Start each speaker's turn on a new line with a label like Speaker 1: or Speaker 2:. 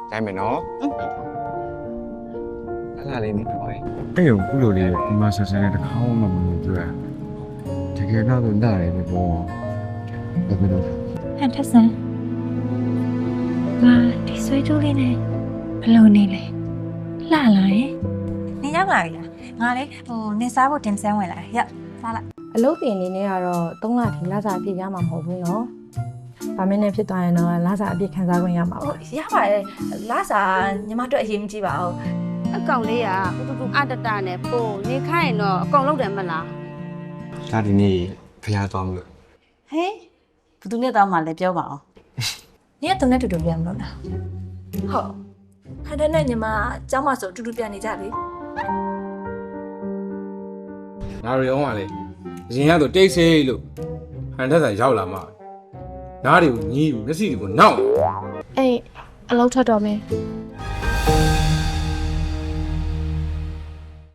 Speaker 1: တိုင်းမယ်နော်အဲ့ဒါလေးနေတော့
Speaker 2: အဲ့ကိုခုလိုလေးဒီမှာဆက်ဆံတဲ့တစ်ခါမှမလုပ်ကြတကယ်တော့နားရတယ်ပေါ့ဘယ်လို
Speaker 3: ဟန်ထက်ဆန်ငါဒီဆွေးကြိုးလေးနဲ့ဘယ်လိုနေလဲလှလာရဲ့
Speaker 4: နင်ရောက်လာပြီလားငါလေနင်စားဖို့တင်ဆန်းဝင်လာတယ်ရောက်စားလိုက်
Speaker 5: အလုပ်တင်နေနဲ့ကတော့3လထိလစာအပြည့်ရမှာမဟုတ်ဘူးနော်။ဗာမင်းနဲ့ဖြစ်သွားရင်တော့လစာအပြည့်ခံစားခွင့်ရမှာပါ
Speaker 4: ရပါတယ်လာစားညီမတို့အရေးမကြီးပါဘူး
Speaker 6: အကောင်လေးကတူတူအတတနဲ့ပို့နေခိုင်းရင်တော့အကောင်လုံးတယ်မလား
Speaker 1: ဒါဒီနေ့ဖျားသွားမလို့
Speaker 4: ဟေးဘသူနဲ့တောင်းမှလည်းပြောပါအောင်နင်ကသူနဲ့တူတူပြန်မလို့လားဟုတ်ဟန်တဲ့နဲ့ညီမကျောင်းမှာဆိုတူတူပြန်နေကြလေ
Speaker 7: ငါရောကလေအရင်ကတော့တိတ်ဆိတ်လို့ဟန်ထက်ဆန်ရောက်လာမှနားတွေကိုညီးပြီးမျက်စိတွေကိုနောက်
Speaker 3: အေးအလုပ်ထွက်တော့မယ်